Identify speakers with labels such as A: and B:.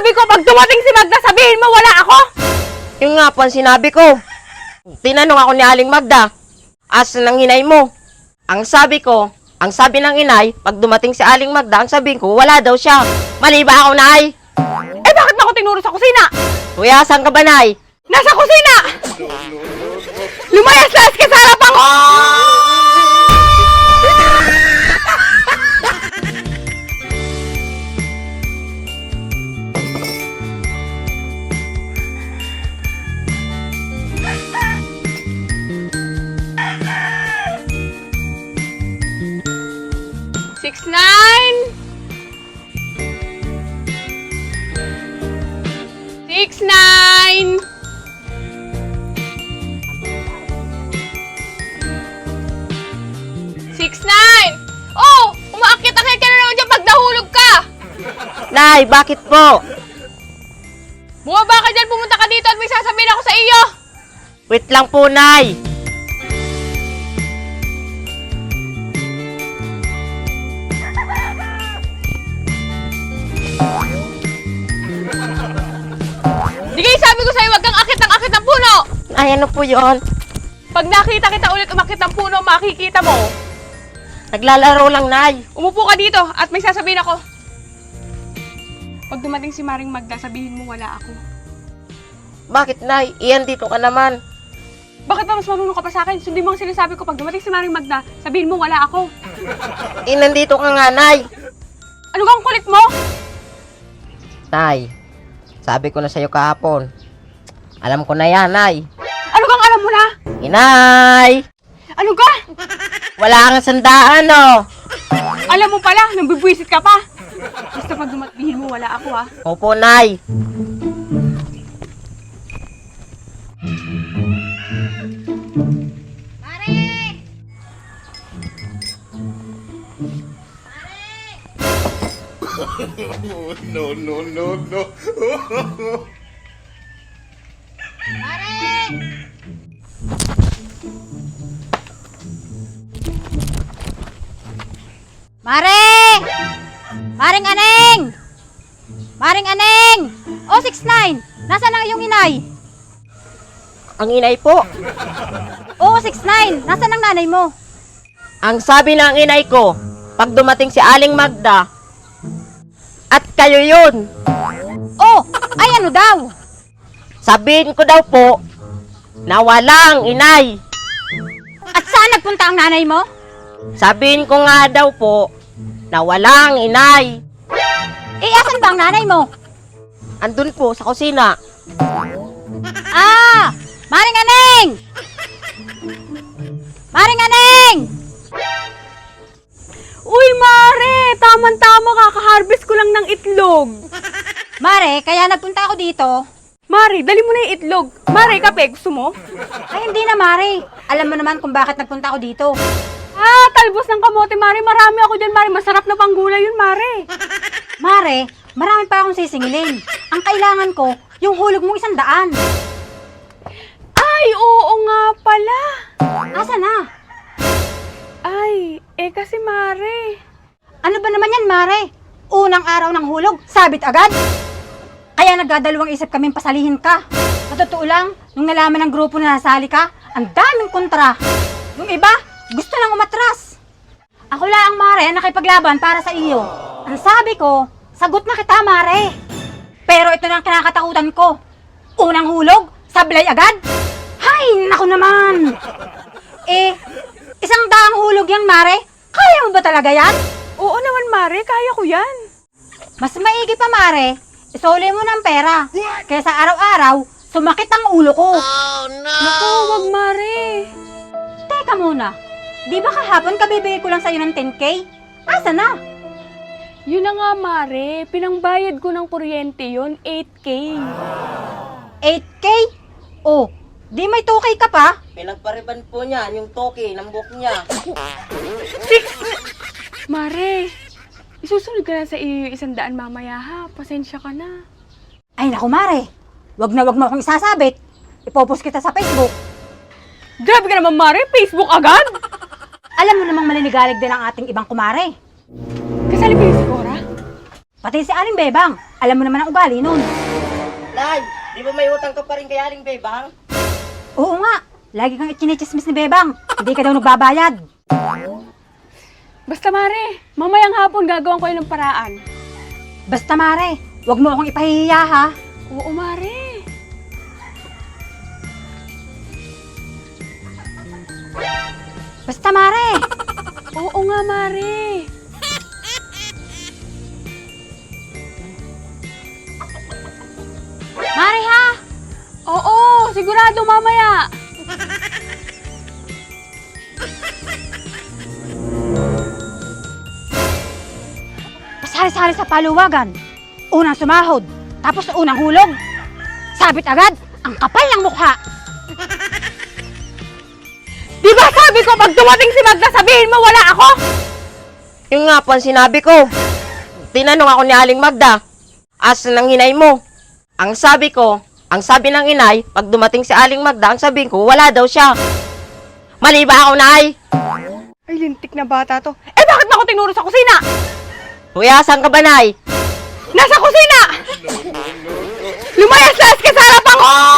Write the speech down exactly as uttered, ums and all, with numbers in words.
A: Sabi ko, pag dumating si Magda, sabihin mo wala ako!
B: Yung nga po ang sinabi ko. Tinanong ako ni Aling Magda, asan ang inay mo? Ang sabi ko, ang sabi ng inay, pag dumating si Aling Magda, ang sabihin ko, wala daw siya. Mali ba ako, Nay?
A: Eh, bakit mo ako tinuro sa kusina?
B: Kuya, saan ka ba, Nay?
A: Nasa kusina! Lumayas-layas ka sa harapan ko! Six, nine! Six, nine! Six, nine! Oh! Umaakit-akit ka na naman dyan pag nahulog ka!
B: Nay, bakit po?
A: Bumaba ka dyan, pumunta ka dito at may sasabihin ako sa iyo!
B: Wait lang po, Nay.
A: Di kayo sabi ko sa'yo, wag kang akit ng akit ng puno!
B: Ay, ano po yon?
A: Pag nakita kita ulit umakit ng puno, makikita mo.
B: Naglalaro lang, Nay.
A: Umupo ka dito at may sasabihin ako. Pag dumating si Maring Magda, sabihin mo wala ako.
B: Bakit, Nay? Iyan dito ka naman.
A: Bakit ba mas marunong ka pa sa akin? Sundin mo ang sinasabi ko. Pag dumating si Maring Magda, sabihin mo wala ako.
B: Eh, nandito ka nga, Nay.
A: Ano kang kulit mo?
B: Nay, sabi ko na sa'yo kahapon. Alam ko na yan, Nay.
A: Ano kang alam mo na?
B: Inay!
A: Ano ka?
B: Wala kang sandaan, no?
A: Alam mo pala, nang bibwisit ka pa. Basta pag dumating mo wala ako ha.
B: Opo, Nay.
C: No, no, no, no.
D: Mare! Maring Aneng! Maring Aneng! O, six nine! Nasaan ang iyong inay?
B: Ang inay po.
D: O, six nine! Nasaan ang nanay mo?
B: Ang sabi ng inay ko, pag dumating si Aling Magda, at kayo yun,
D: O, ay ano daw?
B: sabihin ko daw po, na walang inay.
D: At saan nagpunta ang nanay mo?
B: Sabihin ko nga daw po, na walang inay.
D: Eh, asan ba ang nanay mo?
B: Andun po sa kusina.
D: Ah! Maring Aneng! Maring Aneng!
A: Uy, Mare! Tama-tama, kaka-harvest ko lang ng itlog.
D: Mare, kaya nagpunta ako dito.
A: Mare, dali mo na yung itlog. Mare, kape, gusto mo?
D: Ay, hindi na, Mare. Alam mo naman kung bakit nagpunta ako dito.
A: Ah, talbos ng kamote, Mare. Marami ako dyan, Mare. Masarap na panggulay yun, Mare.
D: Mare, marami pa akong sisingilin. Ang kailangan ko, yung hulog mong isang daan.
A: Ay, oo nga pala.
D: Asa na?
A: Ay, eh kasi, Mare.
D: Ano ba naman yan, Mare? Unang araw ng hulog, sabit agad? Kaya nagdadalawang isip kaming pasalihin ka. Sa totoo lang, nung nalaman ng grupo na nasali ka, ang daming kontra. Yung iba, gusto lang umatras. Ako lang, Mare, ang nakipaglaban para sa iyo. Ang sabi ko, sagot na kita, Mare. Pero ito na ang kinakatakutan ko. Unang hulog, sablay agad? Hay, naku naman. Eh, isang daang hulog yan, Mare. Kaya mo ba talaga yan?
A: Oo naman, Mare. Kaya ko yan.
D: Mas maigi pa, Mare, isole mo ng pera. Kaysa araw-araw, sumakit ang ulo ko.
A: Naku, wag, Mare.
D: Teka muna, di ba kahapon kabibigay ko lang sa'yo ng ten K? Asa na?
A: Yun na nga, Mare. Pinangbayad ko ng kuryente yun, eight K.
D: eight K? Oh, di may two K ka pa?
B: Pinagpariban po niya yung toki ng buhok niya.
A: Mare, isusunod ka na sa iyo yung isang daan mamaya ha. Pasensya ka na.
D: Ay naku, Mare, wag na wag mo akong isasabit. Ipopost kita sa Facebook.
A: Grabe ka naman, Mare. Facebook agad?
D: Alam mo namang maninigalig din ang ating ibang kumare.
A: Kasali ba yung si Cora?
D: Pati si Aling Bebang, alam mo naman ang ugali nun.
B: Nay, di ba may utang ka pa rin kay Aling Bebang?
D: Oo nga, lagi kang ichinichismis ni Bebang. Hindi ka daw nagbabayad.
A: Basta Mare, mamayang hapon gagawin ko yun ng paraan.
D: Basta Mare, wag mo akong ipahihiya ha.
A: Oo, Mare.
D: Basta Mare.
A: Oo nga, Mare.
D: Mare ha.
A: Oo, sigurado mamaya.
D: Pasari-sari sa paluwagan. Unang sumahod, tapos unang hulog. Sabit agad, ang kapal ng mukha.
A: Di ba sabi ko pag dumating si Magda sabihin mo wala ako?
B: Yung nga po ang sinabi ko. Tinanong ako ni Aling Magda, asa ng inay mo? Ang sabi ko, ang sabi ng inay, pag dumating si Aling Magda, ang sabihin ko, wala daw siya. Mali ba ako, Nay?
A: Ay, lintik na bata to. Eh, bakit mo ako tinuro sa kusina?
B: Kuya, saan ka ba, Nay?
A: Nasa kusina! Lumayas-layas ka sa harapan ko!